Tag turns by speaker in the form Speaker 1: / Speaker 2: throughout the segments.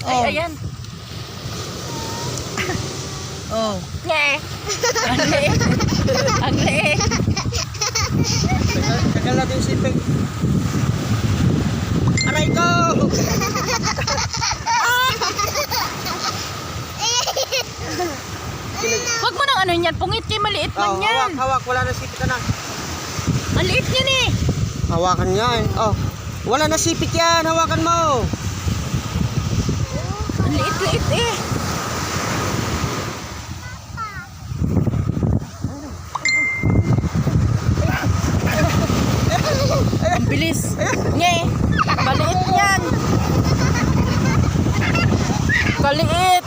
Speaker 1: Ay, ayan.
Speaker 2: Oh.
Speaker 1: Nye. Ang liit. Ang liit.
Speaker 2: Tagal natin yung sipig. Aray ko!
Speaker 1: Huwag mo nang ano yan. Pungit kay maliit man yan.
Speaker 2: Hawak, hawak. Wala na sipit na.
Speaker 1: Ang liit yan eh.
Speaker 2: Hawakan yan. Oh. Wala na sipit yan. Hawakan mo.
Speaker 1: Ang liit-liit eh. Ang bilis. Nye. Maliit yan. Kaliit.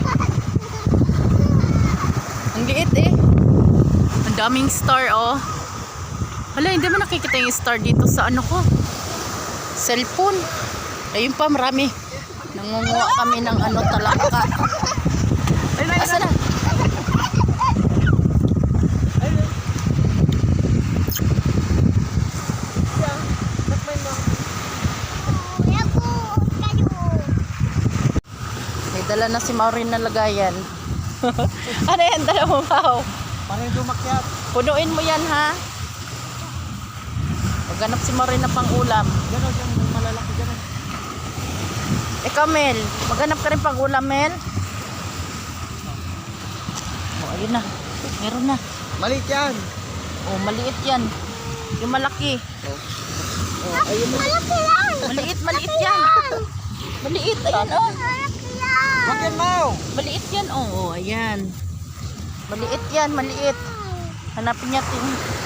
Speaker 1: Ang liit eh. Ang daming star oh. Hala, hindi mo nakikita yung star dito sa ano ko. Cellphone. Ayun pa, marami. Nangunguha kami ng ano, talangka. Asa na? May dala na si Maureen na lagayan. Ano yan? Dala mo ba?
Speaker 2: Parang dumakyat.
Speaker 1: Punuin mo yan ha. Maghanap si Maureen na pang ulam.
Speaker 2: Gano'n dyan. Malalaki gano'n.
Speaker 1: Ikaw Mel, maghanap ka rin pang ulam Mel. Oh, ayun na. Meron na.
Speaker 2: Maliit yan.
Speaker 1: Oh, maliit yan. Yung malaki.
Speaker 2: Oh, ayun na.
Speaker 1: Maliit, maliit yan. Maliit, ayan oh.
Speaker 2: Huwag yan, Mau.
Speaker 1: Maliit yan oh, oh ayan. Maliit yan, maliit. Hanapin natin.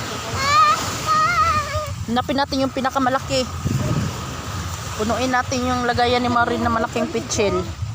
Speaker 1: Hanapin natin yung pinakamalaki. Punuin natin yung lagayan ni Maureen na malaking pitchel.